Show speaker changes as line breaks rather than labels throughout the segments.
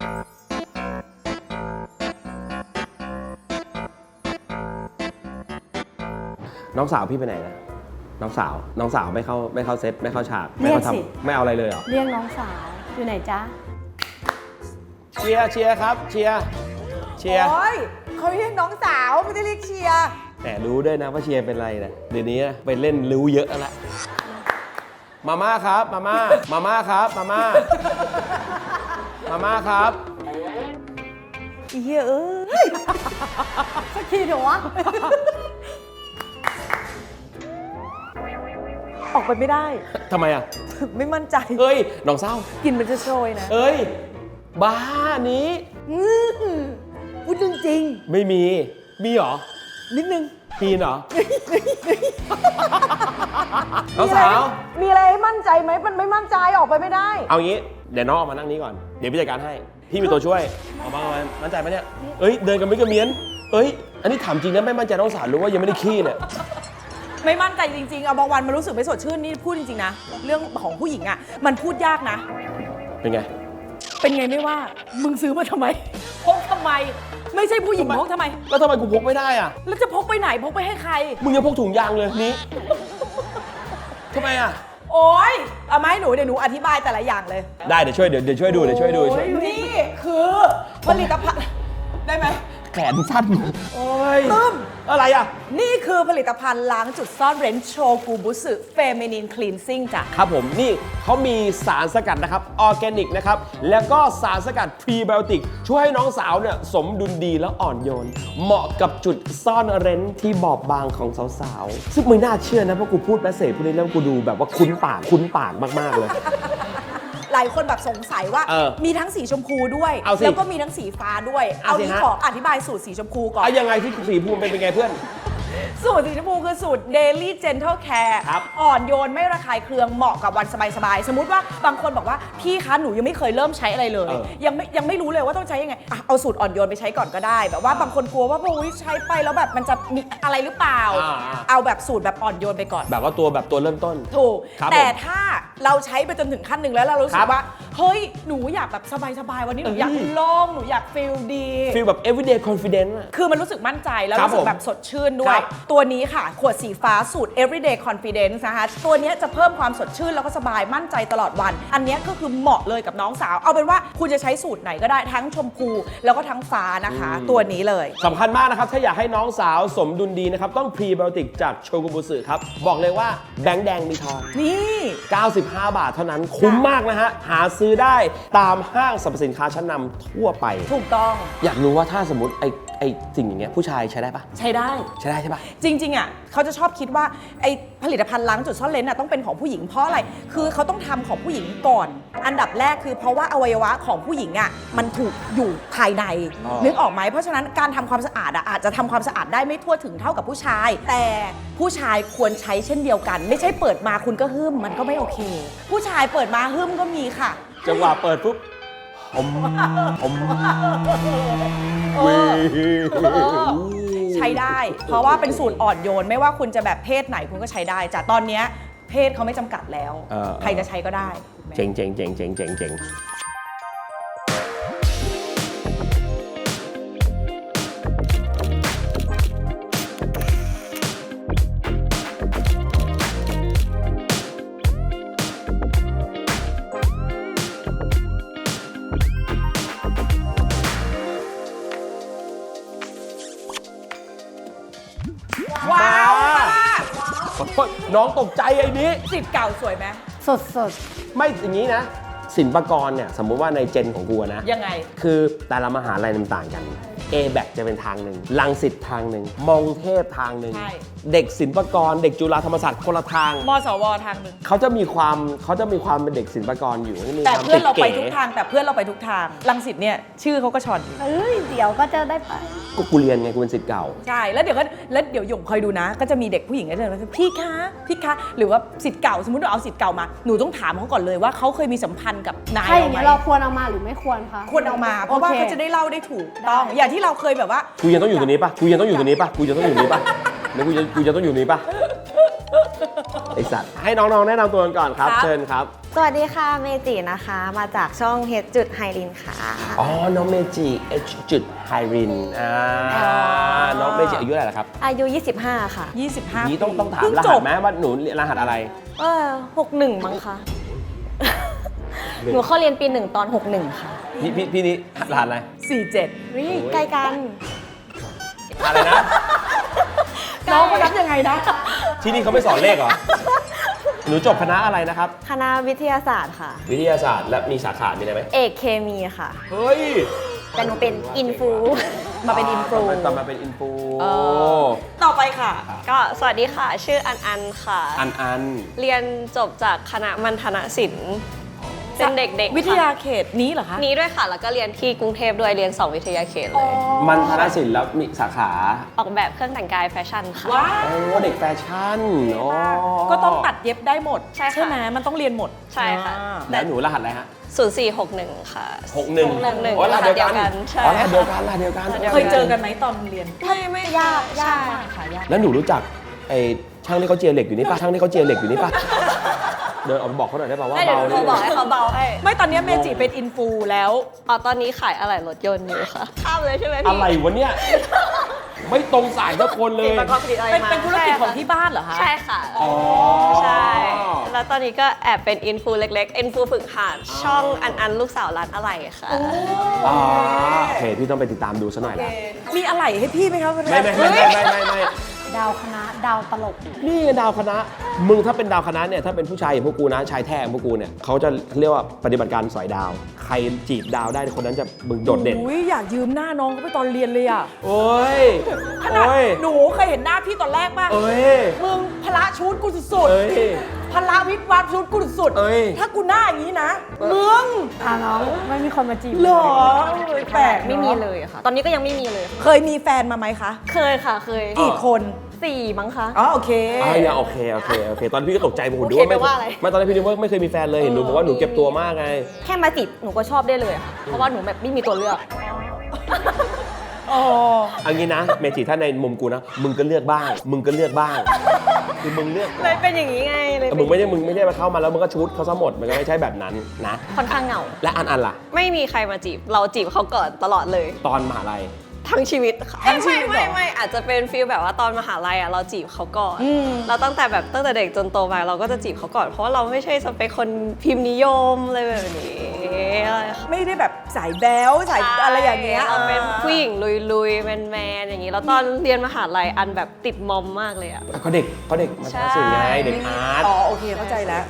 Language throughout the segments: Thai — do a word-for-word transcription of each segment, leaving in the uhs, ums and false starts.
น้องสาวพี่ไปไหนนะน้องสาวน้องสาวไม่เข้าไม่เข้าเซตไม่เข้าฉากไม่เข้าทำไม่เอาอะไรเลยเหรอ
เรียกน้องสาวอยู่ไหนจ๊ะ
เชียร์เชียร์ครับเชียร์เชียร์
โอ้ยเขาเรียกน้องสาวไม่ได้เรียกเชียร์
แต่รู้ด้วยนะว่าเชียร์เป็นอะไรนะเดี๋ยวนี้ไปเล่นรู้เยอะแล้วมาม่าครับมาม่ามาม่าครับมาม่ามาม่าครับ
อีเหี้ยเอ้ย
สักทีเถอะวะ
ออกไปไม่ได้
ทำไมอ่ะ
ไม่มั่นใจ
เอ้ยน้องเศร้า
กินมันจะโชยนะ
เอ้ยบ้านี้
พูดจริง
ๆไม่มีมีเหรอ
นิดนึง
มีเหรอน้องสาว
มีอะไรให้มั่นใจไหมมันไม่มั่นใจออกไปไม่ได้
เอางี้เดี๋ยวน้องออกมานั่งนี้ก่อนเดี๋ยวพี่จัดการให้พี่มีตัวช่วยออกมาออกมามั่นใจไหมเนี่ยเอ้ยเดินกันไม่กระเมียนเอ้ยอันนี้ถามจริงนะไม่มั่นใจน้องสาวรู้ว่ายังไม่ได้ขี้เนี่ย
ไม่มั่นใจจริงๆเอาบางวันมันรู้สึกไม่สดชื่นนี่พูดจริงๆนะเรื่องของผู้หญิงอ่ะมันพูดยากนะ
เป็นไง
เป็นไงไม่ว่ามึงซื้อมาทำไมพกทำไมไม่ใช่ผู้หญิงพกทำไม
แล้วทำไมกูพกไม่ได้อ่ะ
แล้วจะพกไปไหนพกไปให้ใคร
มึงยังพกถุงยางเลยนี้ทำไมอ่ะ
โอ๊ยเอามาให้หนูเดี๋ยวหนูอธิบายแต่ละอย่างเลย
ได้เดี๋ยวช่วยเดี๋ยวเดี๋ยวช่วยดูเดี๋ยวช่วยดู
นี่คือผลิตภัณฑ์ได้ไหม
แขนสั้นโอ้ย
ตึ้ม
อะไรอ่ะ
นี่คือผลิตภัณฑ์ล้างจุดซ่อนเร้นโชกุบุสึเฟมินินคลีนซิ่งจ้ะ
ครับผมนี่เขามีสารสกัดนะครับออร์แกนิกนะครับแล้วก็สารสกัดพรีไบโอติกช่วยให้น้องสาวเนี่ยสมดุลดีแล้วอ่อนโยนเหมาะกับจุดซ่อนเร้นที่บอบบางของสาวๆซึ่งไม่น่าเชื่อนะเพราะกูพูดแมสเสจพวกนี้แล้วกูดูแบบว่าคุ้นปากคุ้นปากมากๆเลย
หลายคนแบบสงสัยว่ามีทั้งสีชมพูด้วยแล้วก็มีทั้งสีฟ้าด้วยเอาที่ขออธิบายสูตรสีชมพูก่อน
เอายังไงที่สีชมพูเป็นเป็นไงเพื่อน
สูตรสีชมพูคือสูตร Daily Gentle Care อ่อนโยนไม่ระคายเคืองเหมาะกับวันสบายๆสมมติว่าบางคนบอกว่าพี่คะหนูยังไม่เคยเริ่มใช้อะไรเลยยังไม่ยังไม่รู้เลยว่าต้องใช้ยังไงเอาสูตรอ่อนโยนไปใช้ก่อนก็ได้แบบว่าบางคนกลัวว่าโอ้ยใช้ไปแล้วแบบมันจะมีอะไรหรือเปล่าเอาแบบสูตรแบบอ่อนโยนไปก่อน
แบบว่าตัวแบบตัวเริ่มต้น
ถูกแต่ถ้าเราใช้ไปจนถึงขั้นหนึ่งแล้วเรารู้สึกว่าเฮ้ยหนูอยากแบบสบายๆวันนี้หนูอยากโล่งหนูอยากฟีลดี
ฟีลแบบ everyday confidence
คือมันรู้สึกมั่นใจแล้วรู้สึกแบบสดชื่นด้วยตัวนี้ค่ะขวดสีฟ้าสูตร everyday confidence นะคะตัวนี้จะเพิ่มความสดชื่นแล้วก็สบายมั่นใจตลอดวันอันนี้ก็คือเหมาะเลยกับน้องสาวเอาเป็นว่าคุณจะใช้สูตรไหนก็ได้ทั้งชมพูแล้วก็ทั้งฟ้านะคะตัวนี้เลย
สำคัญมากนะครับถ้าอยากให้น้องสาวสมดุลดีนะครับต้องพรีไบโอติกจากโชกุบุสึครับบอกเลยว่าแบงค์แดงมีทอง
นี่
เก้าสิบห้าบาทเท่านั้นคุ้มมากนะฮะหาซื้อได้ตามห้างสรรพสินค้าชั้นนำทั่วไป
ถูกต้อง
อยากรู้ว่าถ้าสมมติไอ้ไอ้สิ่งอย่างเงี้ยผู้ชายใช้ได้ปะ
ใช้ได้
ใช้ได้ใช่ปะ
จริงๆอ่ะเขาจะชอบคิดว่าไอ้ผลิตภัณฑ์ล้างจุดซ่อนเร้นอ่ะต้องเป็นของผู้หญิงเพราะอะไรคือเขาต้องทำของผู้หญิงก่อนอันดับแรกคือเพราะว่าอวัยวะของผู้หญิงอ่ะมันถูกอยู่ภายในนึกออกไหมเพราะฉะนั้นการทำความสะอาดอ่ะอาจจะทำความสะอาดได้ไม่ทั่วถึงเท่ากับผู้ชายแต่ผู้ชายควรใช้เช่นเดียวกันไม่ใช่เปิดมาคุณก็หึ่มมันก็ไม่โอเคผู้ชายเปิดมาหึ่มก็มีค่ะ
จังหวะเปิดปุ๊บอมอม
ใช้ได้เพราะว่าเป็นสูตรอ่อนโยนไม่ว่าคุณจะแบบเพศไหนคุณก็ใช้ได้จ้ะตอนนี้เพศเขาไม่จำกัดแล้วใครจะใช้ก็ได้
เจ๋งเจ๋งเจ๋งเจ๋งเจ๋งเจ๋ง
ว้าว
น้องตกใจไอ้นี้
สิทธิ์เก่าสวยไหม
สดสด
ไม่อย่างนี้นะศิลปากรเนี่ยสมมุติว่าในเจนของกูนะ
ยังไง
คือแต่ละมหาลัยต่างกัน เอ แบค จะเป็นทางหนึ่งรังสิตทางหนึ่งมงเทพทางหนึ่งเด็กศิลปากรเด็กจุฬาธรรมศาสตร์คนละทาง
มสวทางหนึ่ง
เขาจะมีความเขาจะมีความเป็นเด็กศิลปากรอยู่
แต่เพื่อนเราไปทุกทางแต่เพื่อนเราไปทุกทางรังสิตเนี่ยชื่อเขาก็ชอน
เอ้ยเดี๋ยวก็จะได้ไป
ก็กูเรียนไงกูเป็นศิษย์เก่า
ใช่แล้วเดี๋ยวก็แล้วเดี๋ยวหยงคอยดูนะก็จะมีเด็กผู้หญิงก็จะพี่คะพี่คะหรือว่าศิษย์เก่าสมมติเราเอาศิษย์เก่ามาหนูต้องถามเขาก่อนเลยว่าเขาเคยมีสัมพันธ์กับนาย
เราไหมเราควรเอามาหรือไม่ควรคะ
ควรเอามาเพราะว่าเขาจะได้เล่าได้ถูกต้องอย่างที่เราเคยแบบว่า
กูยังต้องอยู่ตรงนี้ปะกูยังต้องอยู่ตรงนี้ปะกูยังต้องอยู่ตรงนี้ปะแล้วกูจะกูจะต้องอยู่นี้ปะไอสัตว์ให้น้องๆแนะนำตัวกันก่อนครับ
ครับ
เชิญครับ
สวัสดีค่ะเมจินะคะ มาจากช่องเฮดจุดไฮรินค่ะ
อ๋อ น้องเมจิเอชจุดไฮรินอ่าน้องเมจิอายุเท่าไหร่ละครับ
อายุ ยี่สิบห้า ค่ะ
ยี่สิบห้า
นี้ต้องต้องถาม
เพิ่
ร
จ
หัส
บ
ไหมว่าหนูเรียนรหัสอะไร
เออหกหนึ่งมั้งคะ หนูเข้าเรียนปีหนึ่งตอนหกหนึ่งค่ะ
พี่พี่พี่นี้รหัสอะไร
สี่เจ็ด
วิใกล้กัน
อะไรนะ
น้องเขานับยังไงนะ
ที่นี่เขาไม่สอนเลขเหรอ หนูจบคณะอะไรนะครับ
คณะวิทยาศาสตร์ค่ะ
วิทยาศาสตร์และมีสาขามีอะไรไหม
เอกเคมีค่ะ
เฮ้ย
แต่หนูเป็นอินฟู
มาเป็นอินฟลู
ตอนมาเป็นอินฟู
เออ ต่อไปค่ะ
ก็สวัสดีค่ะ ชื่ออันอันค่ะ
อันอัน
เรียนจบจากคณะมัณฑนศิลป์เป็นเด็กๆ
วิทยา
ค่ะ
เขตนี้เหรอคะ
นี้ด้วยค่ะ แล้วก็เรียนที่กรุงเทพด้วยเรียนสองวิทยาเขตเลย
มันธนศิลป์แล้วมีสาขา
ออกแบบเครื่องแต่งกายแฟชั่นค่ะ
ว้า
โอ้เด็กแฟชั่นโอ้
ก็ต้องตัดเย็บได้หมด
ใช่ค่ะ
ไหมมันต้องเรียนหมด
ใช่ค่ะ
อ่า
แล้วหนูรหัสอะไรฮะ
ศูนย์สี่หกหนึ่งค่ะ
หกหนึ่ง
หกหนึ่ง
อ๋อรหัสเดียวกัน
ใช่
อ๋อรหัสเดียวกันรหัสเดียวกัน
รหัสเดียว
เคยเจอกันไหมตอนเรียน
ไม่ไม่ยาก
ยากมากค่ะยาก
แล้วหนูรู้จักไอ้ช่างที่เขาเจียเหล็กอยู่นี่ป่ะช่างที่เขาเจียเหล็กอยู่นี่ป่ะเดินออกไปบอกเขาหน่อยได้ป่ะว่า
ได้เดี๋ยว
เบา
หนูโทรบอกให้เขาเบาให้
ไม่ตอนนี้เมจิเป็นอินฟูแล้ว
อ๋อตอนนี้ขายอะไหล่รถยนต์อยู่ค่ะ ข้ามเลยใช่ไหม
อะ
พี่
ไรวะเนี่ยไม่ตรงสายสักคนเลย
ประกอบผลิตอะไร
เป็น
มา
เป็นธุรกิจของที่บ้านเหรอคะ
ใช่ค่ะ
อ๋อ
ใช่ แล้วตอนนี้ก็แอบเป็นอินฟูเล็กๆ อินฟูฝึกหัดช่องอันอันลูกสาวร้านอะไรค่ะ
อ๋อโอเคพี่ต้องไปติดตามดูซะหน่อยละ
มีอะไรให้พี่ไหมคะ
ไม่ไม่ไม่ไม่ไม่ไม่
ดาวคณะดาวตลก
นี่ไงดาวคณะ มึงถ้าเป็นดาวคณะเนี่ยถ้าเป็นผู้ชายอย่างพวกกูนะชายแท้อย่างพวกกูเนี่ยเขาจะเรียกว่าปฏิบัติการสอยดาว ใครจีบดาวได้คนนั้นจะมึงโดดเด่น
อุ้ยอยากยืมหน้าน้องเขาไปตอนเรียนเลยอ่ะ
โอ้ย
ขนาด
โอ้ย
หนูเคยเห็นหน้าพี่ตอนแรกป่ะ
เอ้ย
มึงพละชุดกูสุด
เอ้ย
ๆพละวิบวับชุดกูสุด
เอ้ย
ถ้ากูหน้าอย่างนี้นะ มึง
อ่าน้องไม่มีคนมาจีบ
เหรอเอ้ยแปลกเนอะ
ไม่มีเลยค่ะ ตอนนี้ก็ยังไม่มีเลยค่ะ
เคยมีแฟนมาไหมคะ
เคยค่ะ เคย
กี่คน
สี่มั้งคะ
อ๋อโอเค
อ่ะอย่าโอเคโอเคโอเค ตอนนนพี่ก็ตกใจผม
โอเค
ดูว่าไม่
แปลว่าอะไร
ไม่ตอนแรกพี่นึกว่าไม่เคยมีแฟนเลยเห็นหนูบอกว่าหนูเก็บตัวมากไง
แค่มาจีบหนูก็ชอบได้เลยค่ะ เพราะว่าหนูแบบไม่มีตัวเลือก
อ๋อ
เอางี้นะเมจิถ้าในมุมกูนะมึงก็เลือกบ้าง มึงก็เลือกบ้าง คือมึงเลือก
เลยเป็นอย่างนี้ไงเลย
แต่
เป็น
มึงไม่ได้มึงไม่ได้มาเข้ามาแล้วมึงก็ชุดเขาซะหมดมันก็ไม่ใช่แบบนั้นนะ
ค่อนข้างเหงา
และอันอันล่ะ
ไม่มีใครมาจีบ เราจีบเขาก่อนตลอดเลย
ตอนมหาลัย
ทั้งชีวิตค่ะ
ทั้งชีวิตเหรอ
ไม่ไม่ไม่อาจจะเป็นฟีลแบบว่าตอนมหาลัยอ่ะเราจีบเขาก่อน
อืม
เราตั้งแต่แบบตั้งแต่เด็กจนโตมาเราก็จะจีบเขาก่อนเพราะว่าเราไม่ใช่สเปคคนพิมพ์นิยมอะไรแบบนี้อะไรค่ะ
ไม่ได้แบบสายแบ๊วสายอะไรอย่างเงี้ย
เราเป็นผู้หญิงลุยๆแมนๆอย่างนี้แล้วตอนเรียนมหาลัยอันแบบติดมอมมากเลยอ่ะ
เขาเด็กเขาเด็กมา
ใช่
ทำสิ่งไงเด็กอาร์ต
อ๋อโอเคเข้าใจแล้ว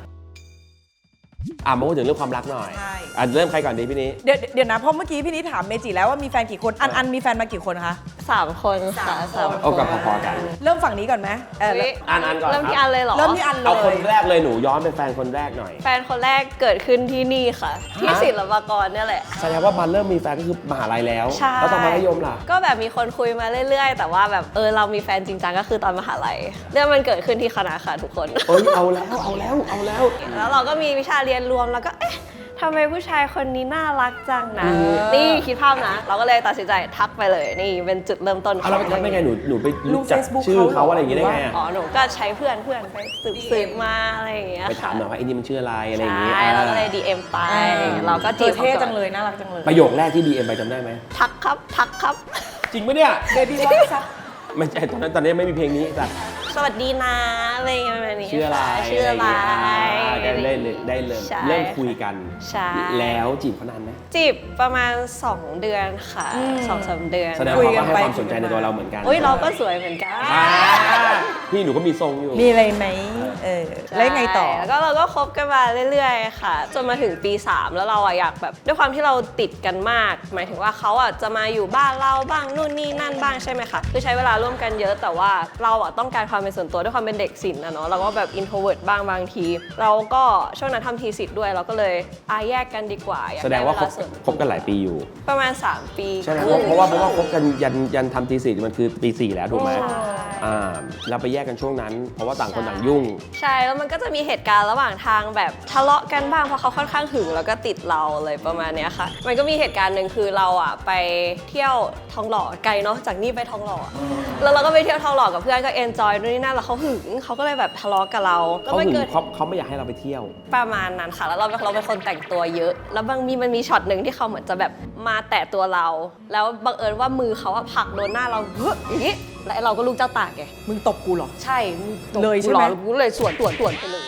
อ่ะมาพูดถึงเรื่องความรักหน่อย
ใช่
อ่ะเริ่มใครก่อนดีพี่นี้
เดี๋ยวเดี๋ยวนะเพราะเมื่อกี้พี่นิดถามเมจิแล้วว่ามีแฟนกี่คน อันอันมีแฟนมากี่คนคะ
สามคนค่ะสาม
เอากับพอๆกัน
เริ่มฝั่งนี้ก่อนไหมเออ
อุ๊ย
อันอันก่อน
เริ่มที่
ครับ
อันเลยเหรอ
เริ่มที่อันเล
เอาคน
ย
แรกเลยหนูย้อนเป็นแฟนคนแรกหน่อย
แฟนคนแรกเกิดขึ้นที่นี่ค่ะ ที่
ฮะ
ศิลปากรเนี่ยแหละ
แสดงว่าบันเริ่มมีแฟนก็คือมหาลัยแล้ว
ใช่
แล้วตอนมัธยมล่ะ
ก็แบบมีคนคุยมาเรื่อยๆ แต่ว่าแบบเออเรามีแฟนจริงจังก็คือตอนมหาลัย เรื่องมันเกิดขึ้นที่คณะค่ะทุกคน
เอ้ยเอาแล้วเอาแล้วเอาแล้ว
แล้วเราก็มีวิชาเรียนรวมแล้วก็เอ๊ะทำไมผู้ชายคนนี้น่ารักจังนะ
อืม
นี่คิดภาพนะ เราก็เลยตัดสินใจทักไปเลย นี่เป็นจุดเริ่มต้นข
เอา
อง
แล้วไปทักได้ไงหนูหนูไปรู้จัก
Facebook
ชื่อ
เขา
เขาอะไรอย่างงี้ได้ไง
อ๋
อะ
อหนูก็ใช้เพื่อนเพื่อนไปสืบสืบมาอะไรอย่างเงี้ย
ไปถามหน่อยว่าไอ้นี่มันชื่ออะไรอะไรอย่างงี้
ใช่เราก็เลย
อ่า
ดี เอ็ม ไป เราก็
เธ
จี
อบ
เขา
เท่
ก่อน
จังเลยน่ารักจังเลย
ประโยคแรกที่ดีเอ็มไปจำได้ไหม
ทักครับ ทักครับ
จริงปะเนี่ย
เบบี้วอทซับ
ไม่ใช่ตอนนั้นตอนนี้ไม่มีเพลงนี้แต่
สวัสดีนะอะไรอย่างเงี้ยแบบนี้
ชื่ออะไร
ชื่ออะไร
ได้ได้เลยได้เลย
ใช่
เริ่มคุยกัน
ใช่
แล้วจีบเขานานไหม
จีบประมาณ สอง เดือนค่ะสองสามเดือน
แสดงว่าเขาก็ให้ความสนใจในตัวเราเหมือนกัน
อุ้ยเราก็สวยเหมือนกัน
อ่าพี่หนูก็มีทรงอยู่
มีอะไรไหมเออแล้วยังไงต่อ
ใช่แล้วก็เราก็คบกันมาเรื่อยๆ ค่ะ จนมาถึงปี สาม แล้วเราอะอยากแบบด้วยความที่เราติดกันมาก หมายถึงว่าเขาอะจะมาอยู่บ้านเราบ้างนู่นนี่นั่นบ้างใช่ไหมคะคือใช้เวลาร่วมกันเยอะแต่ว่าเราอะต้องการความเป็นส่วนตัวด้วยความเป็นเด็กศิลป์นะเนาะเราก็แบบ introvert บ้างบางที เราก็ช่วงนั้นทำทีสิทธิ์ด้วยเราก็เลยอาแยกกันดีกว่าอยก
แสดงว่าคบ
ไเส่น
คบกันหลายปีอยู่
ประมาณ สาม ปี
ใช่ไหม
ครึ่ง
เพราะว่าเพราะว่าคบกันยันยันทำทีสี่มันคือปีสี่แล้วถูกไหม
ใช่
อ่าเราไปแยกกันช่วงนั้น เพราะว่าต่างคนต่างยุ่ง
ใช่แล้วมันก็จะมีเหตุการณ์ระหว่างทางแบบทะเลาะกันบ้างเพราะเขาค่อนข้างหึงแล้วก็ติดเราเลยประมาณเนี้ยค่ะมันก็มีเหตุการณ์หนึ่งคือเราอ่ะไปเที่ยวทองหล่อไกลเนาะจากนี่ไปทองหล่อแล้วเราก็ไปเที่ยวทองหล่อกับเพื่อนก็เอนจอยนู่นนี่นั่นแล้วเขาหึงเขาก็เลยแบบทะเลาะกับเรา
เขาหึงเขาเขาไม่อยากให้เราไปเที่ยว
ประมาณนั้นค่ะแล้วเราเราเป็นคนแต่งตัวเยอะ แล้วบางมีมันมีช็อตหนึ่งที่เขาเหมือนจะแบบมาแตะตัวเรา แล้วบังเอิญว่ามือเขาอะผลักโดนหน้าเราเฮ้ยอย่างนี้แล้วเราก็ลูกเจ้าตากไง
มึงตบกูเหรอ
ใช่มึงตบ
เลยใช่ไหม
กูรอกูเลยสวนสวนสวนไปเลย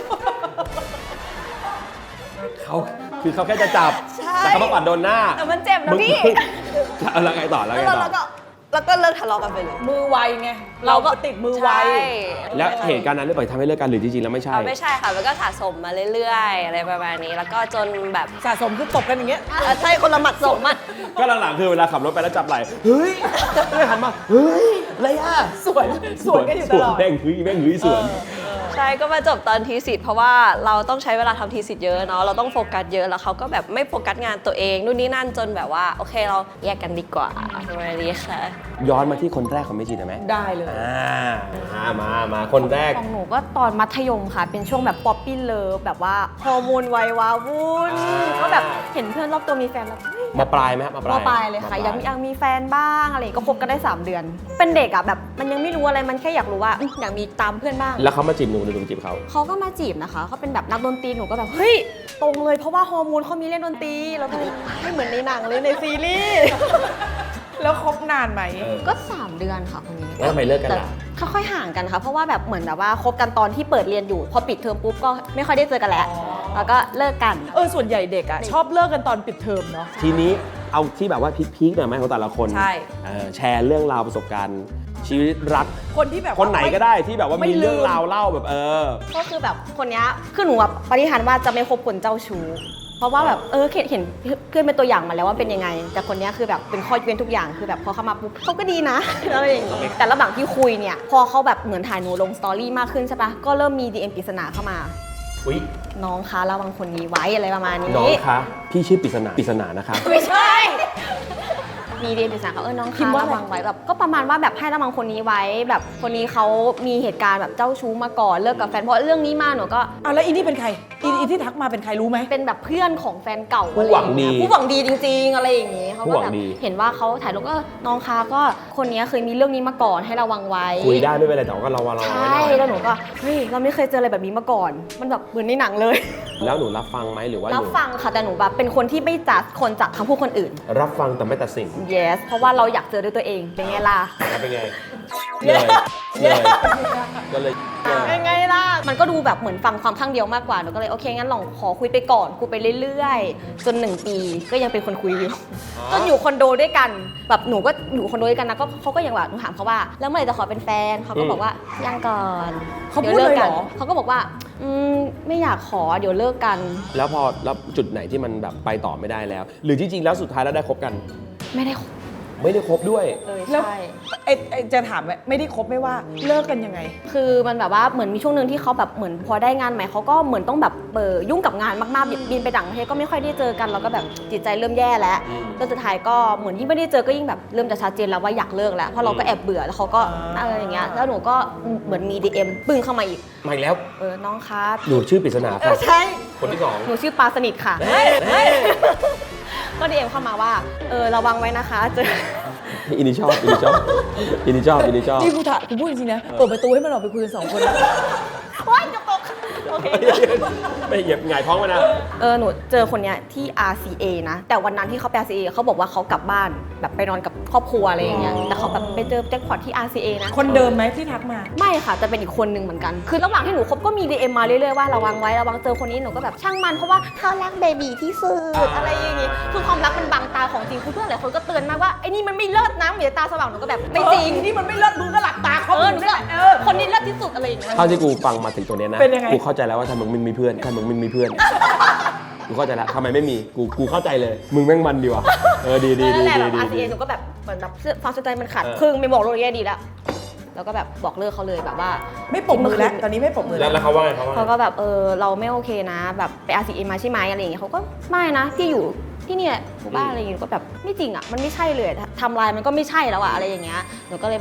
เขาคือเขาแค่จะจับ
ใช่
แต่เขามาปัดโดนหน้า
แต่มันเจ็บนะ
มึง
พี่
แล้วไงต่อแล้วไง
แล้ว
ต่
เรา
อ
ก็แล้วก็เลิกทะเลาะกันไปเลย
มือไวไงเราก็ติดมือไว
ใช่
แล้วเหตุการณ์นั้นได้ปล่อยทำให้เลิกกันหรือจริงๆแล้วไม่ใช่
เอาไม่ใช่ค่ะมันก็สะสมมาเรื่อยๆอะไรประมาณนี้แล้วก็จนแบบ
สะสมคือตบกันอย่างเงี้ย
เออใช่คนละหมัดสมอ่ะ
ก็หลังๆคือเวลาขับรถไปแล้วจับไหล่เฮ้ยเลยหันมาเฮ้ยอะไรอ่ะ
สวนสวนกันอยู่ตลอด
สวนแม่งเฮ้ยแม่งเฮ้ยสวน
ใช่ก็มาจบตอนทีสิทธิ์เพราะว่าเราต้องใช้เวลาทำทีสิทธิ์เยอะเนาะเราต้องโฟกัสเยอะแล้วเขาก็แบบไม่โฟกัสงานตัวเองนู่นนี่นั่นจนแบบว่าโอเคเราแยกกันดีกว่าประมาณนี้ค่ะ
ย้อนมาที่คนแรกของเมจิได้ไหม
ได้เลย
อ่ามามามาคนแรก
ของหนูก็ตอนมัธยมค่ะ เป็นช่วงแบบป๊อปปี้เลิฟแบบว่าฮอร์โมนวัยวาวุ่น
อ่า
ก็แบบเห็นเพื่อนรอบตัวมีแฟนแล้วเฮ้ย
มาปลายไหมครับมาป
ม
ลาย
ปลายเลยค่ะยังยังมีแฟนบ้างอะไรก็คบกันได้สามเดือน เป็นเด็กอ่ะแบบมันยังไม่รู้อะไรมันแค่อยากรู้ว่าอืมอยากมีตามเพื่อนบ้าง
แล้วเขามาจีบหนูหรือหนูจีบเขา
เขาก็มาจีบนะคะเขาเป็นแบบนักดนตรีหนูก็แบบเฮ้ยตรงเลยเพราะว่าฮอร์โมนเขามีเล่นดนตรีแล้วก็ไม่เหมือนในหนังเลยในซีรีส์
แล้วคบนานไหม
เออ
ก็สามเดือนค่ะคนนี้
แล้วทำไมเลิกกันล่ะ
แต่ค่อยๆห่างกันค่ะเพราะว่าแบบเหมือนแบบว่าคบกันตอนที่เปิดเรียนอยู่ พอปิดเทอมปุ๊บก็ไม่ค่อยได้เจอกันแล้วแล้วก็เลิกกัน
เออส่วนใหญ่เด็กอะชอบเลิกกันตอนปิดเทอมเนาะ
ทีนี้เอาที่แบบว่าพีคๆหน่อยไหมของแต่ละคน
ใช่
เออแชร์เรื่องราวประสบการณ์ ชีวิตรัก
คนที่แบบว่า
คนไหนก็ได้ที่แบบว่า
ไม่
มีเรื่อง
ลืม
ราวเล่าแบบเออ
ก็คือแบบคนเนี้ยคือหนูแบบปฏิหารย์ว่าจะไม่คบคนเจ้าชู้เพราะว่าแบบเออเห็นเห็นเพื่อนเป็นตัวอย่างมาแล้วว่าเป็นยังไง แต่คนเนี้ยคือแบบเป็นข้อยกเว้นทุกอย่างคือแบบพอเข้ามาปุ๊บเขาก็ดีนะ อะไรอย่างงี้แต่ระหว่างที่คุยเนี่ยพอเขาแบบเหมือนถ่ายหนูลงสตอรี่มากขึ้นใช่ปะก็เริ่มมี ดี เอ็ม ปริศนาเข้ามา
อุ๊ย
น้องคะระวังคนนี้ไว้อะไรประมาณนี้
น้องคะพี่ชื่อปริศนาปริศนานะคะ
ไม่ใช่ มีเรียนปริศนาเขาเออน้อง
พิ
คะ
มพ์ว่าอะไร
ระวังไว้แบบก็ประมาณว่าแบบให้ระวังคนนี้ไว้ แบบคนนี้เขามีเหตุการณ์แบบเจ้าชู้มาก่อนเลิกกับแฟนเพราะเรื่องนี้มาหนูก็
เอาแล้วอีนี่เป็นใครอีอีที่ทักมาเป็นใครรู้ไหม
เป็นแบบเพื่อนของแฟนเก่า
ผู้หวังดี
อะไรอย่างเงี้ยผู้หวังดีจริง ๆ อะไรอย่างงี้เขา
ผู้
ก็
หวัง
แบบ
ดี
เห็นว่าเขาถ่ายรูปก็น้องคะก็คนนี้เคยมีเรื่องนี้มาก่อนให้ระวังไว้
คุยได้ไม่เป็นไรแต่ว่าก็ระวังระวัง
ใช
ไว้ห่ น่อย
แล้วหนูก็เฮ้ยเราไม่เคยเจออะไรแบบนี้มาก่อน มันแบบเหมือนในหนังเลย
แล้วหนูรับฟังไหมหรือว่าห
รับ
นู
ฟังค่ะแต่หนูแบบเป็นคนที่ไม่จัดคนจากคำพูดคนอื่น
รับฟังแต่ไม่ตัดสิน
yes เพราะว่าเราอยากเจอด้วยตัวเองเป็นไงล่ะ
แล้วเป็นไงเลยเลยก็เลยเลย
เป็นไงล่ะ มันก็ดูแบบเหมือนฟังความข้างเดียวมากกว่า หนูก็เลยโอเคงั้นลองขอคุยไปก่อน คุยไปเรื่อยๆ จนหนึ่งปีก็ยังเป็นคนคุยอยู่ จนอยู่คอนโดด้วยกัน แบบหนูก็อยู่คอนโดด้วยกันนะก็เขาก็ยังแบบหนูถามเขาว่า แล้วเมื่อไหร่จะขอเป็นแฟน เขาก็บอกว่ายังก่อน
เขาพูดเลยเหรอ
เขาก็บอกว่าอืมไม่อยากขอเดี๋ยวเลิกกัน
แล้วพอแล้วจุดไหนที่มันแบบไปต่อไม่ได้แล้ว หรือจริงๆแล้วสุดท้ายแล้วได้คบกัน
ไม่ได้คบ
ไม่ได้คบด้วย
เลย
แล้ว
ใช่
ไอ้ไอ้จะถามว่าไม่ได้คบไม่ว่าเลิกกันยังไง
คือมันแบบว่าเหมือนมีช่วงหนึ่งที่เขาแบบเหมือนพอได้งานใหม่เขาก็เหมือนต้องแบบเออยุ่งกับงานมากๆบินไปต่างประเทศก็ไม่ค่อยได้เจอกันเราก็แบบจิตใจเริ่มแย่แล้ว
อืม
แล้วสุดท้ายก็เหมือนยิ่งไม่ได้เจอก็ยิ่งแบบเริ่มจะชัดเจนแล้วว่าอยากเลิกแล้วเพราะเราก็แอบเบื่อแล้วเขาก็
อ่า
อะไรอย่างเงี้ยแล้วหนูก็เหมือนมี ดี เอ็ม ปึ้งเข้ามาอีก
มาอีกแล้ว
เออน้องคะ
หนูชื่อปริศนา
เอ
ค่ะ
อใช่
คนที่สอง
หนูชื่อปลาสนิทค่ะ
เฮ้ยเฮ้ย
ก็ ดี เอ็ม เข้ามาว่าเออระวังไว้นะคะเจอ
อินิชอบอินิชอบอินิชอบอินิชอบ
นี่กูถามกูพูดจริงๆนะเปิดประตูให้มันออกไปคุยกันสองคนนะ
โอ๊ยจะตกโอเค
ไม่เหยียบหงายท้องไว้นะ
เออหนูเจอคนเนี้ยที่ อาร์ ซี เอ นะ แต่วันนั้นที่เขาไป อาร์ ซี เอ เขาบอกว่าเขากลับบ้านแบบไปนอนกับครอบครัวอะไรอย่างเงี้ยแต่เขาแบบไปเจอแจ็คพอตที่ อาร์ ซี เอ นะ
คนเดิมไหมที่ทักมา
ไม่ค่ะจะเป็นอีกคนหนึ่งเหมือนกัน คือระหว่างที่หนูคบก็มี ดี เอ็ม มาเรื่อยๆว่าระวังไว้ระวังเจอคนนี้หนูก็แบบช่างมันเพราะว่าเขารักเบบีที่สุดอะไรอย่างงี้คือความรักมันบังตาของจริงคือเพื่อนหลายคนก็เตือนมากว่าไอ้นี่มันไม่เลิศนะเหมือนตาสว่างหนูก็แบบไม่จริง
เออนี่มันไม่เลิศมึงก็หลับตาเขา
เออหนู
นี่
ก็
แหละเออ
คนนี้เลิศที่สุดอะไรอย่างเงี้ย
เท่าที่กูฟังมาถึงตัวเนี้ยนะ
เป็นยังไง
กูเข้าใจแล้วว่าทำไมมึงไม่มีเพื่อนทำไมมึงไม่มีเพื่อน กูเข้าใจแล้วทำไมไม่มี กูกูเข้าใจเลย มึงแม่งมันดีว่ะ เออดีดีดี
นั่นแหละ
ดี
แบบ
ดี
อาร์ ซี
ดี
เอ หนูก็แบบเหมือนแบบความสนใจมันขาด
เออ
ครึ่งไม่บอกโลกนี้ดีแล้วแล้วก็แบบบอกเลิกเขาเลยแบบว่า
ไม่ปรบมือแล้วตอนนี้ไม่ปรบมือ
แล้
แล้ว ว
แล้วเขาว่าไงเขาว่าไง
เขาก็แบบเออเราไม่โอเคนะ แบบไป อาร์ ซี เอ มาใช่ไหมอะไรอย่างเงี้ยเขาก็ไม่นะที่อยู่ที่เนี่ยหมู่บ้านอะไรอย่างเงี้ยก็แบบไม่จริงอ่ะมันไม่ใช่เลยทำลายมันก็ไม่ใช่แล้วอะอะไรอย่างเงี้ยหนูก็เลยแบบอื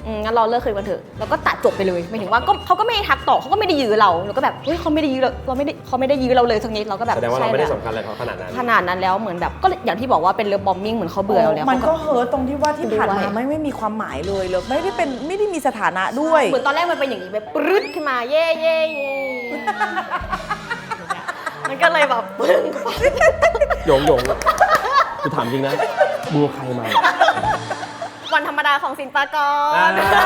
อืมงั้นเราเลิกคุยกันเถอะแล้วก็ตัดจบไปเลยหมายถึงว่าก็เขาก็ไม่ได้ทักต่อเขาก็ไม่ได้ยื้อเราเราก็แบบเฮ้ยเขาไม่ได้ยื้อเราเราไม่ได้เขาไม่ได้ยื้อเราเลยสักนิดเราก็แบบ
แสดงว่าเราไม่ได้
ใช่
สำคัญอะไรเขาขนาดนั้น
ขนาดนั้นแล้วเหมือนแบบก็อย่างที่บอกว่าเป็นเลิฟบอมบิ้งเหมือนเขาเบื่อเราแล้ว
มันก็
ขา
เฮิร์ตตรงที่ว่าที่ผ่านมา
ด้วย
ไม่ไม่มีความหมายเลยเลยไม่ได้เป็นไม่ได้มีสถานะด้วย
เหมือนตอนแรกมันเป็นอย่างนี้แบบปรึ๊ดขึ้นมาเย่เย่เย่มันก็เลยแบบปึ้ง
หยงหยงกูถามจริงนะมึงเอาใครมา
วันธรรมดาของสินปากร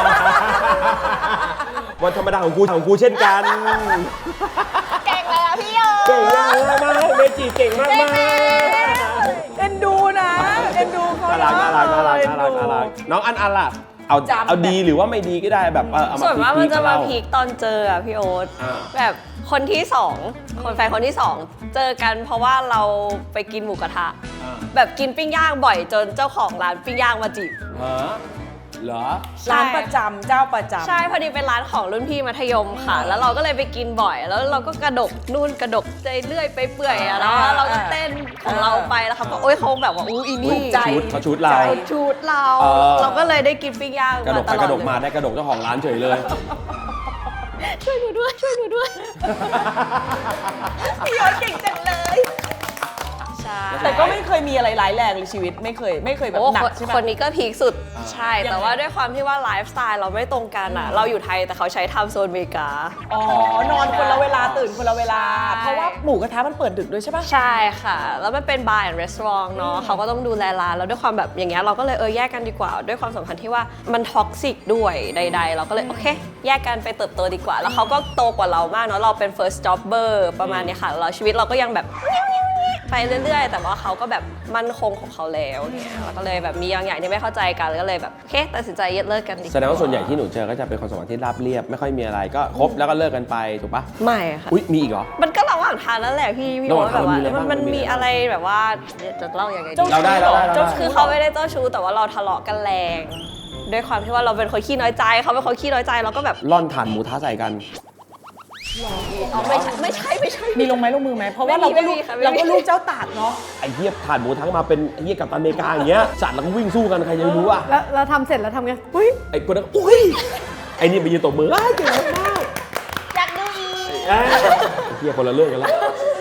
วันธรรมดาของกูของกูเช่นกัน
เก่งเลยอะพี่โย
เก่งมากมากเมจิเก่งมากมาก
เอ็นดูนะเอ็นดูเขา
น่ารักน่ารักน่ารักน่ารักน่ารักน้องอันอันล่ะเอา
จำ
เอาดีหรือว่าไม่ดีก็ได้แบบเออเอามา
ส่วนมาก
พี
มัน
คๆ
จะ
เล่
มาพีคตอนเจออะพี่โอ๊ต
อ่า
แบบคนที่สองคนแฟนคนที่สองเจอกันเพราะว่าเราไปกินหมูกระทะ แบบกินปิ้งย่างบ่อยจนเจ้าของร้านปิ้งย่างมาจีบ
ฮะเหรอ
ร้านประจำเจ้าประจำ
ใช่พอดีเป็นร้านของรุ่นพี่มัธยมค่ะ แล้วเราก็เลยไปกินบ่อย แล้วเราก็กระดกนู่นกระดกใจเรื่อยไปเปื่อยอะแล้วเราก็เต้นของเราไปแล้วเขาก็โอ๊ยเขาแบบว่าอู้อีนี่
ชุดเขาชุดเรา
เขาชุดเรา
เออ
เราก็เลยได้กินปิ้งย่าง
กระด
มาก ต
ไป
ล
ก
อด
ระดกมา
เลย
ได้กระดกเจ้าของร้านเฉยเลย
ช่วยหนูด้วยช่วยหนูด้วย
พี่ยอดเก่งจังเลย
ใช่
แต่ก็ไม่เคยมีอะไรร้ายแรงในชีวิตไม่เคยไม่เคยแบบ
โอ้
หนัก
คน
ใช่ไหม
คนนี้ก็พีคสุดใช่
ยังไง
แต่ว่าด้วยความที่ว่าไลฟ์สไตล์เราไม่ตรงกันอ่ะ เราอยู่ไทยแต่เขาใช้ไทม์โซนอเมริกา
อ๋อนอนคนละเวลาตื่นคนละเวลา
ใช่
เพราะว่าหมูกระทะมันเปิดดึกด้วยใช่ปะ
ใช่ค่ะ แล้วมันเป็นบาร์แอนด์รีสอร์ทเนาะเขาก็ต้องดูแลร้านแล้วด้วยความแบบอย่างเงี้ยเราก็เลยเออแยกกันดีกว่า ด้วยความสัมพันธ์ที่ว่ามันท็อกซิกด้วยใด ๆ เราก็เลยโอเค แยกกันไปเติบโตดีกว่า แล้วเขาก็โตกว่าเรามากเนาะเราเป็น first jobber ประมาณเนี้ยค่ะเราชีวิตเราก็ยังแบบไปเรื่อย ๆ แต่ว่าเขาก็แบบมั่นคงของเขาแล้วเนี่ยแล้วก็เลยแบบมีบางอย่างที่ไม่เข้าใจกันก็เลยแบบโอเคตัดสินใจเลิกกันดีกว่า
แสดงว่าส่วนใหญ่ที่หนูเจอก็จะเป็นความสัมพันธ์ที่ราบเรียบไม่ค่อยมีอะไรก็คบแล้วก็เลิกกันไปถูกปะ
ไม่ค่ะ
อุ้ยมีอีกเหรอ
มันก็ระหว่างทางนั่นแหละพี่พี่
ระห
โอ๊
ว่าง
ต
ทา
แบ
ง
บว่า
มันมี
มัน
อะไรบ้างมันมีอะไร
มันมีอะไรแบบว่าจะเล่ายังไงดี
เราได้เราได้เราได้
คือเขาไม่ได้เจ้าชู้แต่ว่าเราทะเลาะกันแรง ด้วยความที่ว่าเราเป็นคนขี้น้อยใจเขาเป็นคนขี้น้อยใจเราก็แบบ
ล่อนถ่านหมูท้าใส่กัน
อ๋อไม่ใช่ไม่ใช่ไม่ใช่
มีลงไม้ลงมือไหมเพราะว่า
ไม่
เรา
มี
ก็ลูก
ไม่มีค่ะไม่มี
เราก็ลูกเจ้าตากเนาะ
ไอ้เหี้ยถ่านหมูทั้งมาเป็นไอ้เหี้ยกับตันอเมริกาอย่างเงี้ยสัตว์แล้วก็วิ่งสู้กันใครจะไปรู้อ่ะ
แล้วเราทำเสร็จแล้วทำไงอุ้ย
ไอ้คนนั้นอุ้ยไอ้นี่ไปยืนตบมืออ้าวเก่งมาก
อยากดูอีก
ไอ้เหี้ยคนละเรื่องกันแล้ว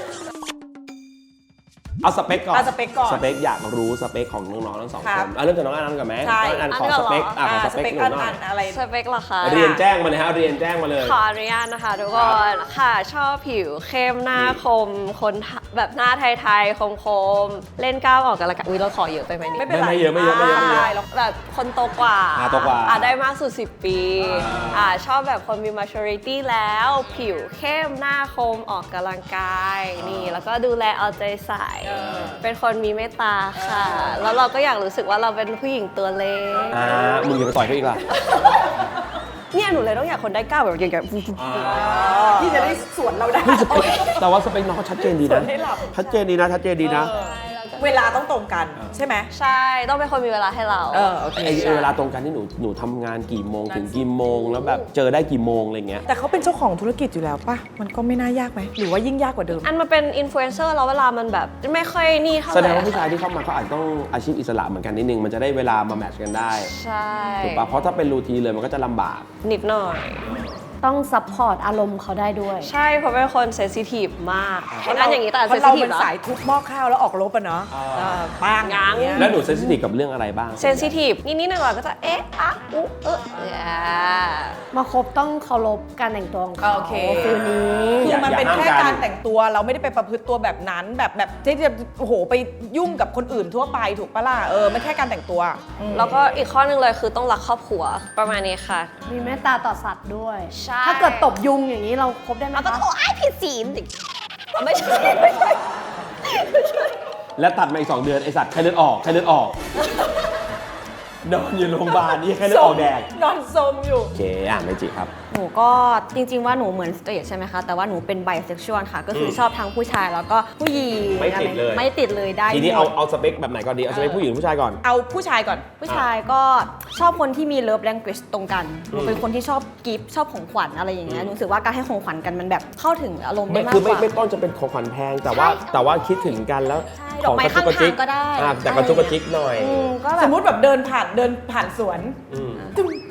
เอาสเปคก่อน
เอาสเปคก่อน
สเปคอยากรู้สเปคของน้องๆทั้งสอง
ค
ค
รั
น
บ
อ่ะเริ่มจากน้องอันนันก่อนไหม
ใช่
น้องอันขอสเปคอ่ะขอส
ส
เป
เป
ค
ค
หนู
อัน
หน่อ
อั
ย
นอะไร
สเปคเหรอคะ
เรียนแจ้งมาเลยฮะเรียนแจ้งมาเลย
ขออนุญาตนะคะทุกคนค่ะชอบผิวเข้มหน้าคม คนแบบหน้าไทยๆคมๆเล่นกล้ามออกกันละกันอุ้ยเราขอเยอะไปไหมนี่
ไม่เป็นไร
ไม่เยอะไม่เยอะไม่เยอะไม่เยอะ
ด้หรอก
แบบคนโตกว่า
อ่าโตกว่า
อ่ได้มากสุด สิบ ปีอ่าชอบแบบคนมี maturity แล้ว ผิวเข้มหน้าคมออกกำลังกายนี่แล้วก็ดูแลเอาใจใส่ เป็นคนมีเมตตาค่ะ แล้วเราก็อยากรู้สึกว่าเราเป็นผู้หญิงตัวเล็ก
อ่ามึงอย่าไปต่อยเขาอีกล่ะ
เนี่ยหนูเลยต้องอยากคนได้กล้ามแบบอย่างเงี้ย
ที่จะได้สวนเราได้
แต่ว่าสเปคน้องเขาชัดเจนดี
ส่ว
นะ
นให้หลับ
ชัดเจนดีนะชัดเจนดีนะ
เวลาต้องตรงกันใช่ไหม
ใช่ต้องเป็นคนมีเวลาให้เรา
เออโอเค
ไอ้ไอ้เวลาตรงกันที่หนูหนูทำงานกี่โมงถึงกี่โมงแล้วแบบเจอได้กี่โมงอะไรเงี้ย
แต่เขาเป็นเจ้าของธุรกิจอยู่แล้วป่ะ มันก็ไม่น่ายากไหม หรือว่ายิ่งยากกว่าเดิม
อันมาเป็นอินฟลูเอนเซอร์แล้วเวลามันแบบไม่ค่อยนี่เท่าไห
แส
ร่
ดงว่าผู้ชายที่เข้ามาเขาอาจจะต้องอาชีพอิสระเหมือนกันนิดนึงมันจะได้เวลามาแมทช์กันได้
ใช่
ถูกปะเพราะถ้าเป็นรูทีนเลยมันก็จะลำบาก
นิดหน่อย
ต้องซัพพอร์ตอารมณ์เขาได้ด้วย
ใช่เพราะเป็นคนเซนซิทีฟมากเห็นอันอย่างนี้แต่
เพ
เซน
ราะ
ซิ
เรา
ทีฟ
เป็น
เหรอ
สายทุบหม้อข้าวแล้วออกรบอะเนาะ
อ่า
เออปัง
ยัง
เงี้ย
แล้วหนูเซนซิทีฟกับเรื่องอะไรบ้าง
เซนซิทีฟนิดๆหน่อยๆก็จะเอ๊ะอะอุ๊เอออ่า
มาคบต้องเคารพการแต่งตัวของเขา
โอเค
ฟิลนี้
คือมันเป็น
อย่า
แค่
ห้ามกัน
การแต่งตัวเราไม่ได้ไปประพฤติตัวแบบนั้น แบบแบบที่จะโอ้โหไปยุ่งกับคนอื่นทั่วไปถูกปะล่ะเออไม่แค่การแต่งตัวอืม
แล้วก็อีกข้อหนึงเลยคือต้องรักครอบครัวประมาณนี้ค่ะ
มีเมตตาต่อสัตว์ด้วย
ใช่
ถ้าเกิดตบยุงอย่างนี้เราคบได้ไหม
แล้วก็
คะ
โอ้ยผิดศีลอีกไม่ใช่ไม่ใช่
และตัดมาอีกสองเดือนไอสัตว์ไข้เลือดออกไข้เลือดออกนอนอยู่โรงพยาบาลนี่ไข้เลือดออกแดง
นอนสมอยู่
โอเคอ่ะเมจิครับ
หนูก็จริงๆว่าหนูเหมือนสเตรทใช่ไหมคะ แต่ว่าหนูเป็นไบเซ็กชวลค่ะ ก็คืออ
ม
ชอบทั้งผู้ชายแล้วก็ผู้หญิง
ไม่ติดเลย
อะไรไม่ติดเลยได้
ทีนี้
หม
เอา
ด
เอาสเปคแบบไหนก่อนดีเอาสเปคผู้หญิงหรือผู้ชายก่อน
เอาผู้ชายก่อน
ผู้ชายก็ชอบคนที่มีเลิฟแลง a g e ตรงกัน หนูเป็นคนที่ชอบกิฟต์ชอบของขวัญอะไรอย่างเงี้ย
อืม
หนูรู้สึกว่าการให้ของขวัญกันมันแบบเข้าถึงอารมณ์ได้
ไม่
มาก
คือก ไม่
ว่า
ไม่ต้องจะเป็นของขวัญแพงแต่ว่า
ใช่
แต่ว่าคิดถึงกันแล้ว
ใช่ดอกไม้
ระจุกระจิ
ข้างทางก็ได้
อ่ะแต่กระจุกกระจิกหน่อย
อืมก็แบ
ส
บ
มมติแบบเดินผ่านเดินผ่านสวน
อืม
ตึ้ม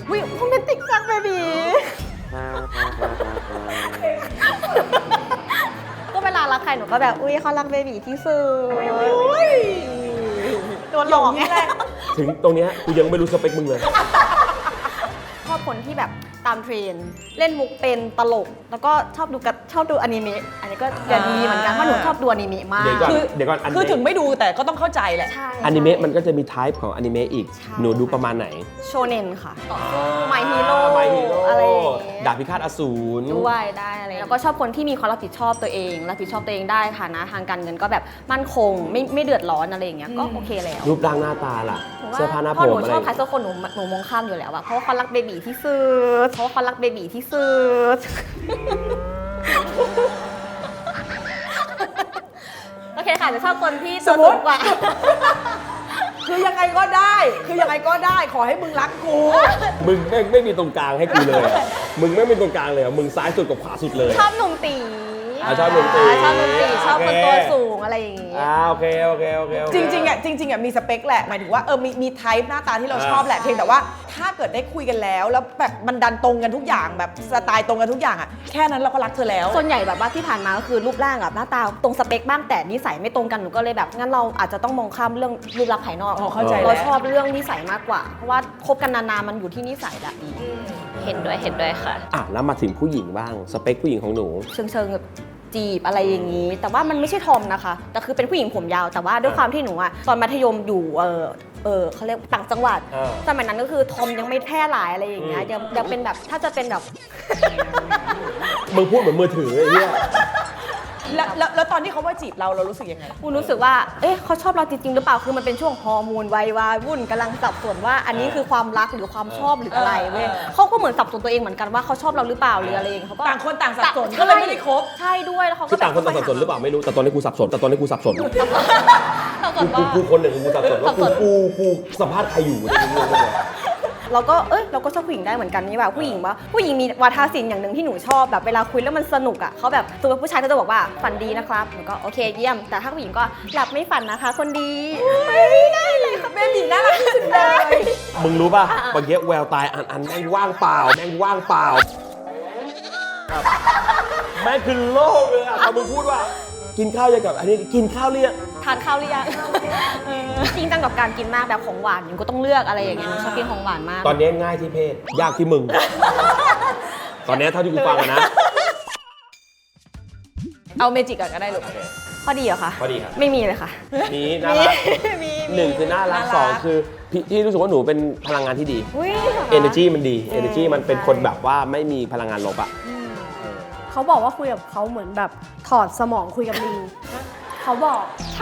วิโรแมนติกจังเบบีก็เวลารักใครหนูก็แบบอุ้ยเขารักเบบีที่สุดโดนหลอกนี่แหละ
ถึงตรงเนี้ยกูยังไม่รู้สเปคมึงเลย
ชอบคนที่แบบตามเทรนด์เล่นมุกเป็นตลก แล้วก็ชอบดูกับชอบดูอนิเมะอันนี้ก็จะดีเหมือนกันเพราะหนูชอบดูอนิเมะมาก
เดี๋ยวก่อน
คือ
เดี๋ยวก่อนอนิ
คือ
เมะ
ถึงไม่ดูแต่ก็ต้องเข้าใจแหละ
ใช่
อนิเมะมันก็จะมีไทป์ของอนิเมะอีก
ใช่
หนูดูประมาณไหน
โชเน็นค่ะไมฮีโร่
My Hero
อะไรอย่างเงี้ย
ดาบพิฆาตอสูร
ด้วยได้อะไรแล้วก็ชอบคนที่มีความรับผิดชอบตัวเองรับผิดชอบตัวเองได้ฐานะทางการเงินก็แบบมั่นคงไม่ไม่เดือดร้อนอะไรอย่างเงี้ยก็โอเคแล้ว
รูปร่างหน้าตาล่ะ
หนูว่
เสื้อผ้าหน้า
เพ
ผ
ราะหนู
มอะไร
ชอบใครสักคนหนูหนูมองข้ามอยู่แล้วอะเพราะว่าเขารักเบบีที่สุดเพราะว่าเขารักเบบีที่สุด โอเคค่ะจะชอบคนที่
ส
ตัว
มมุ
สู
ติ
งกว่า
คือยังไงก็ได้ คือยังไงก็ได้ขอให้มึงรักกู
มึงไม่ไม่มีตรงกลางให้กูเลยอะมึงไม่มีตรงกลางเลยอะมึงซ้ายสุดกับขวาสุดเลย
ชอบหนุ่มตี
อ่าชอบหนุ่มตี
ชอบหนุ่มตีชอบคน
โอเค
ตัวสูงอะไรอย่างงี้
อ่าโอเคโอเคโอเคโอเค
จริงๆอ่ะจริงๆอ่ะมีสเปคแหละหมายถึงว่าเออมีมีไทป์หน้าตาที่เรา
อ่า
ชอบแหละเพียงแต่ว่าถ้าเกิดได้คุยกันแล้ว แล้วแบบมันดันตรงกันทุกอย่างแบบสไตล์ตรงกันทุกอย่างอ่ะแค่นั้นเราก็รักเธอแล้ว
ส่วนใหญ่แบบว่าที่ผ่านมาก็คือรูปร่างกับหน้าตาตรงสเปคบ้างแต่นิสัยไม่ตรงกันหนูก็เลยแบบงั้นเราอาจจะต้องมองข้ามเรื่องรูปลักษณ์ภายนอก
อ๋อเข้าใจแล้ว
เราชอบเรื่องนิสัยมากกว่า เพราะว่าคบกันนานๆมันอยู่ที่นิสัยแหละ
เห็นด้วยเห็นด้วยค่ะ
อ่ะแล้วมาถึงผู้หญิงบ้างสเปคผู้หญิงของหนู
เชิงเชิงๆแบบจีบอะไรอย่างนี้ แต่ว่ามันไม่ใช่ทอมนะคะแต่คือเป็นผู้หญิงผมยาวแต่ว่าด้วยความที่หนูอะตอนมัธยมอยู่เออเออเขาเรียกต่างจังหวัด
อ่า
สมัยนั้นก็คือทอมยังไม่แพร่หลายอะไรอย่างเงี้ย
อืม
ยังยังเป็นแบบถ้าจะเป็นแบบ
มึงพูดเหมือนมือถือไอ้เหี้ย
แล้วแล้วแล้วตอนที่เขาว่าจีบเราเรารู้สึกยังไง
คุณรู้สึกว่า เอ๊ะเขาชอบเราจริงๆหรือเปล่า คือมันเป็นช่วงฮอร์โมนวัยวายวุ่นกำลังสับสนว่าอันนี้คือความรักหรือความชอบหรืออะไรเว้ย
เออเออ
เขาก็เหมือนสับสนตัวเองเหมือนกันว่าเขาชอบเราหรือเปล่าหรืออะไรอย่างเงี้ยเขาก็
ต่างคนต่างสับสน
ใช่
ก็เลยไม่ได้คบ
ใช่ด้วยแล้วเขาก็
คือต่างคนต่างสับสนหรือเปล่าไม่รู้แต่ตอนนี้กูสับสนแต่ตอนนี้กูสับสน
สับส
กู
น
กู
ว่า
กูคนหนึ่งกูสับสนว่า
สับ
กู
สน
กูกูสัมภาษณ์ใครอยู่เนี่ยกูงงเลย
เราก็เอ้ยเราก็ชอบผู้หญิงได้เหมือนกันนี่แบบผู้หญิงว่าผู้หญิงมีวาทศิลป์อย่างหนึ่งที่หนูชอบแบบเวลาคุยแล้วมันสนุกอ่ะเขาแบบตัวผู้ชายก็จะบอกว่าฝันดีนะครับหนูก็โอเคเยี่ยมแต่ถ้าผู้หญิงก็หลับไม่ฝันนะคะ คนดีได้เลยค่ะ
เบบีน่ารักที่สุดเลย
มึงรู้ป่ะเมื่อกี้แววตายอันอันแม่งว่างเปล่าแม่งว่างเปล่าแม่งคือโลกเลยอ่ะพอมึงพูดว่า กินข้าวยังกับอันนี้กินข้าวเรียง
ทานข้าวหรือยังจริงจังกับการกินมากแบบของหวานหนูก็ต้องเลือกอะไรอย่างเงี้ยหนูชอบกินของหวานมาก
ตอนนี้ง่ายที่เพศยากที่มึง ตอนนี้เท่าที่กูฟังอะนะ
เอาเมจิกก่อนก็ได้ลูก
ข้อดีเหรอคะ
ข้อดีครับ
ไม่มีเลยค่ะ
นี่น่ารัก
มี
หนึ่งคือน่ารัก
น่ารัก
สองคือพี่ที่รู้สึกว่าหนูเป็นพลังงานที่ดี
อุ้ย
energy มันดี energy มันเป็นคนแบบว่าไม่มีพลังงานลบอะ
เขาบอกว่าคุยกับเขาเหมือนแบบถอดสมองคุยกับลิงเขาบอก
ใช่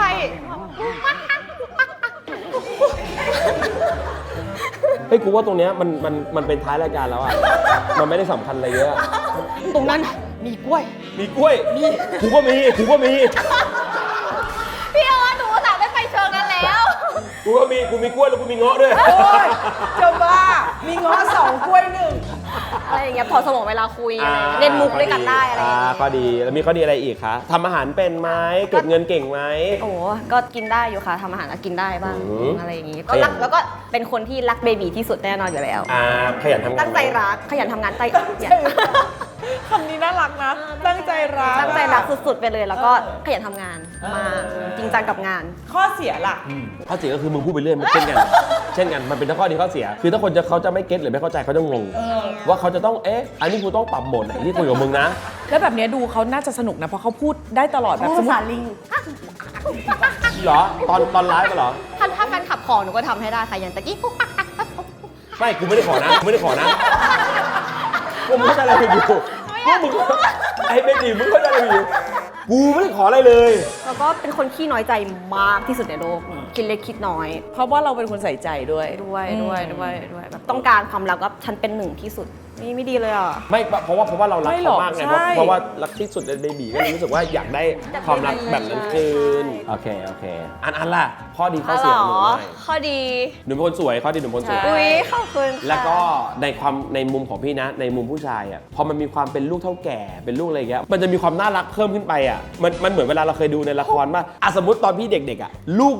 เฮ้ยกูว่าตรงเนี้ยมันมันมันเป็นท้ายรายการแล้วอะมันไม่ได้สำคัญอะไรเยอะ
ตรงนั้นมีกล้วย
มีกล้วยมีกูก็มีกูก็มี
พี่ออหนูสาวไม่ไปเชิงนั้นแล้ว
กูก็มีกูมีกล้วยแล้วกูมีเงาะด้วย
โอ้ยจะบ้า มีง้อสองกล้วยหนึ่ง
อะไรอย่างเงี้ยพอสมองเวลาคุยอะไรอย่างเงี้ยเล่นมุกด้วยกันได้อะไรอย่างเงี้ย
ก็ดีแล้วมีข้อดีอะไรอีกคะทำอาหารเป็นไหมเก็บเงินเก่งไหม
โอ้ก็กินได้อยู่ค่ะทำอาหารก็กินได้บ้าง
อืม
อะไรอย่างงี้ก็รักแล้วก็เป็นคนที่รักเบบีที่สุดแน่นอนอยู่แล้ว
อ่าขยันทำงาน
ตั้งใจ
ไหม
รักขยันทำงานใจ
คำนี้น่ารักนะ ตั้งใจรัก
ตั้งใจรักสุดๆไปเลยแล้วก็ขยันทำงานมากจริงจังกับงาน
ข้อเสียล่ะ
ข้อเสียก็คือมึงพูดไปเรื่อยมันเช่นกัน เช่นกันมันเป็นทั้งข้อดีข้อเสีย คือถ้าคนจะเขาจะไม่เก็ตหรือไม่เข้าใจเขาจะงงว่าเขาจะต้องเอ๊ะอันนี้กูต้องปรับโหมดไหนที่คุยกับมึงนะ
แล้วแบบเนี้ยดูเขาน่าจะสนุกนะ เพราะเขาพูดได้ตลอดแบบ
พูด
สมม
ภา
ติ
ษาลิง
เหรอตอนตอนไลฟ์มาเหรอ
ถ้าถ้าแฟนขับของหนูก็ทำให้ได้ค่ะอย่างตะกี้กุ๊ก
ไม่กูไม่ได้ขอนะกูไม่ได้ขอนะกูไม่เข้าใจอะไรผิดอยู่กูมึงไอ้เบจีมึงเข้าใจอะไรผิดอยู่กูไม่ได้ขออะไรเลย
แล้วก็เป็นคนขี้น้อยใจมากที่สุดในโลกคิดเล็กคิดน้อย
เพราะว่าเราเป็นคนใส่ใจด้วย
ด้วย
อืม
ด้วยด้วยด้วยแบบต้องการความรักก็ฉันเป็นหนึ่งที่สุดนี่ไม่ดีเลยอ่ะ
ไม่เพราะว่าเพราะว่าเรารัก
ไม่หร
เขา
อก
มากไง
ใช่
เพราะเพราะว่ารักที่สุดในเบบีก็เลยรู้สึกว่าอยากได้ความรักแบบนั้นคืน
ใช่
โอเคโอเคอันอันล่ะข้อดีข้อเสียของหนูหน่อย
ข้อดี
หนูเป็นคนสวยข้อดีหนูเป็นคนสวย
อุ๊ยขอบคุณค่ะ
แล้วก็ในความในมุมของพี่นะ ในมุมผู้ชายอ่ะพอมันมีความเป็นลูกเท่าแก่เป็นลูกอะไรอย่างเงี้ยมันจะมีความน่ารักเพิ่มขึ้นไปอ่ะมันมันเหมือนเวลาเราเคยดูในละครว่าอ่ะสมมติตอนพี่เด็กๆอ่ะลูกล้างก๋วยเตี๋ยว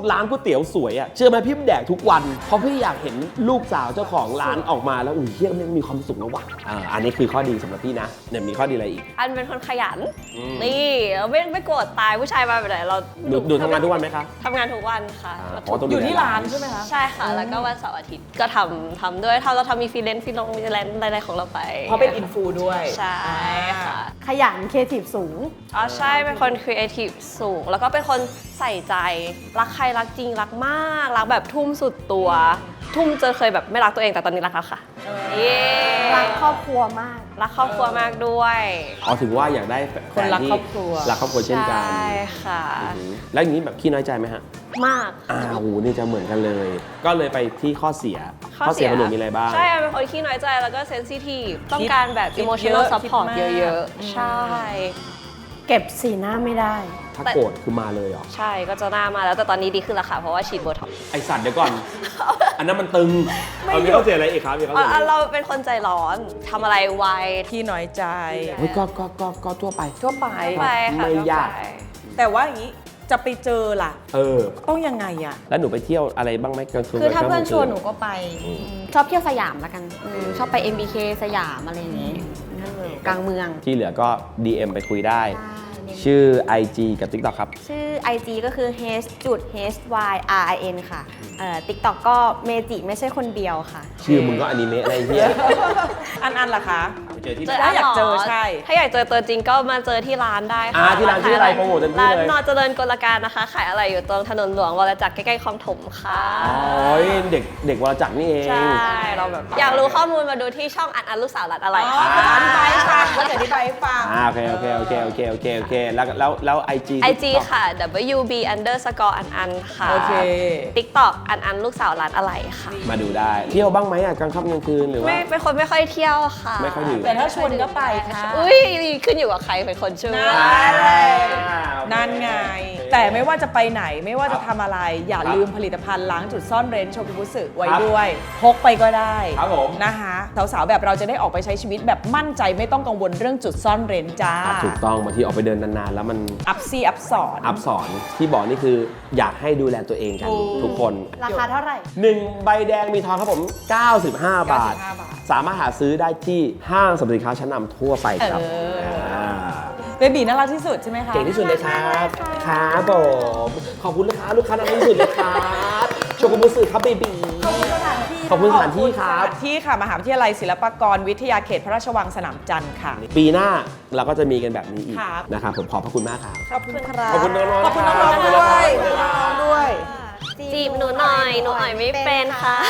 ตี๋ยวสวยอะเชื่อไหมพี่แดกทุกวันเพราะพี่อยากเห็นลูกสาวเจ้าของร้านออกมาแล้วอุ้ยเฮียมันมีความสุขนะวะอ่าอันนี้คือข้อดีสำหรับพี่นะเนี่ยมีข้อดีอะไรอีก
อันเป็นคนขยัน
อืม
นี่เราไม่ไม่โกรธตายผู้ชายมาแบบไหนเรา
ดูดูทำงานทุกวันไหมคะ
ทำงานทุกวันค่ะ
อ่า
แล้ว
เพราะต้อง
อยู่ที่ร้านใช่ไหมคะ
ใช่ค่ะ แล้วก็วันเสาร์อาทิตย์ก็ทำทำด้วยถ้าเราทำมีฟรีแลนซ์ฟรีลงฟรีแลนซ์อะไรๆของเราไป
เพราะเป็นอินฟูด้วย
ใช่ค่ะ
ขยันครีเอทีฟสูง
อ๋อใช่เป็นคนครีเอทีฟสูง แล้วก็เป็นคนใส่ใจรักใครรักจริงรักมากรักแบบทุ่มสุดตัว ทุ่มจนเคยแบบไม่รักตัวเองแต่ตอนนี้รักแล้วค่ะเย้
รักครอบครัวมาก
รักครอบครัวมากด้วย
อ๋อถึงว่าอยากได้แฟ
คนรัก
ที่
ครอบครัว
รักครอบครัวเช่นกัน
ใช่ค่ะ
อืมแล้วอย่างนี้แบบขี้น้อยใจไหมฮะ
มาก
อ้าวโหนี่จะเหมือนกันเลย ก็เลยไปที่ข้อเสียของหนูมีอะไรบ้าง
ใช่เป็นคนขี้น้อยใจแล้วก็เซนซิทีฟต้อง
คิด
การแบบ
คิด
emotional
เยอะ
support
คิดมาก
เยอะๆ ใช่
เก็บสีหน้าไม่ได้
ถ้าโกรธคือมาเลยเหรอ
ใช่ก็จะหน้ามาแล้วแต่ตอนนี้ดีขึ้นแล้วค่ะ เพราะว่าฉีดโบท็อกซ์
ไอสัตว์เดี๋ยวก่อน อันนั้นมันตึงเอามีข้อเสียอะไรอีกครับมีข้อเสียอะไรอีก
เราเป็นคนใจร้อนทำอะไรไว
ที่น้อยใจ
เฮ้ยก็ก็ก็ก็ทั่วไป
ทั่วไป
ไปค่ะ
ไม่ยาก
ไป
แต่ว่าอย่างนี้จะไปเจอล่ะ
เออ
ต้องยังไงอ่ะ
แล้วหนูไปเที่ยวอะไรบ้างไหมกลางคืน
คือถ้าเพื่อน
กลง
ชวนหนูก็ไปชอบเที่ยวสยามละกันอืมชอบไป เอ็ม บี เค สยามอะไรอย่างงี้นั่นเลยกลางเมือง
ที่เหลือก็ ดี เอ็ม ไปคุยได้
ใช่
ชื่อ ไอ จี กับ TikTok ครับ
ชื่อ ไอ จี ก็คือ h จุด h y r i n ค่ะเอ่อ TikTok ก็เมจิไม่ใช่คนเดียวค่ะ
ชื่อมึงก็อนิเมะอะไรเงี้ย
อันอันล่ะคะ
ไปเจอที่ไห
เจ
น
ออัน
อยากเจอ
หร
ใช่
ถ้าอยากเจอตัวจริงก็มาเจอที่ร้านได้ค่ะ
อ่าที่ร้านชื่ออะไรโปรโมทเต็มที่
ร้าน
เลย
นอเจริญกลการนะคะ ขายอะไรอยู่ตรงถนนหลวงวรจักรใกล้ๆคลองถมค่ะ
อ๋อเด็กเด็กวรจักรนี่เอง
ใช่เราแบบอยากรู้ข้อมูลมาดูที่ช่องอันอันลูกสาวรัดอะไร
อ๋อ
ค่ะ
เขาจะอธิบายให้ฟังเขาจะอธิบายให้ฟัง
อ่าโอเคโอเคโอเคโอเคโอเคโอเคแล้วแล้วแล้วไอจี
ไอจีค่ะ ว บี underscore อันอันค่ะ
โอเค
TikTok อันอันลูกสาวรัดอะไรค่ะ
มาดูได้ เที่ยวบ้างไหมอ่ะกลางค่ำกลางคืนหรือว่า
ไม่เป็นคนไม่ค่อยเที่ยวค่ะ
ไม่ค่อยดื่ม
แต่ถ้าชวนก็ไปค่ะ
อุ้ยขึ้นอยู่กับใครเป็นคนช่วย
นั่นไง แต่ไม่ว่าจะไปไหนไม่ว่าจะทำอะไร อย่าลืมผลิตภัณฑ์ล้างจุดซ่อนเร้นโชกุบุสึไว้ด้วย พกไปก็ได้
ครับผม
นะคะสาวๆแบบเราจะได้ออกไปใช้ชีวิตแบบมั่นใจไม่ต้องกังวลเรื่องจุดซ่อนเร้นจ้า
อ่ะถูกต้องบางทีออกไปเดินนานๆ แล้วมัน
อัพซี่อัพสอน
อัพสอนที่บอกนี่คืออยากให้ดูแลตัวเองกัน
ถูก
ทุกคน
ราคาเท่าไหร่
หนึ่งใบแดงมีทองครับผม เก้าสิบห้า บาท
เก้าสิบห้าบาท
สามารถหาซื้อได้ที่ห้างสรรพสินค้าชั้นนำทั่วไปครับ
เอออ่
า
เบบีน่ารักที่สุดใช่ไหมคะ
เก่งที่สุดเลยครับครับผมขอบคุณลูกค้าลูกค้าน่ารักที่สุดเลยครับโชกุบุสึครับเบบีขอบคุณสถานที่ครับ
สถานที่ค่ะมหาวิทยาลัยศิลปากรวิทยาเขตพระราชวังสนามจันทร์ค่ะ
ปีหน้าเราก็จะมีกันแบบนี้อีก
ครับ
นะครับผมขอบพระคุณมากครับ
ขอบคุณครับ
ขอบคุณน้องๆ
ขอบคุณน้อง
ครับ
ๆด้วยขอบคุณน้องๆด้วย
จีบหนูหน่อย หนูอ่อยไม่เป็นค่ะ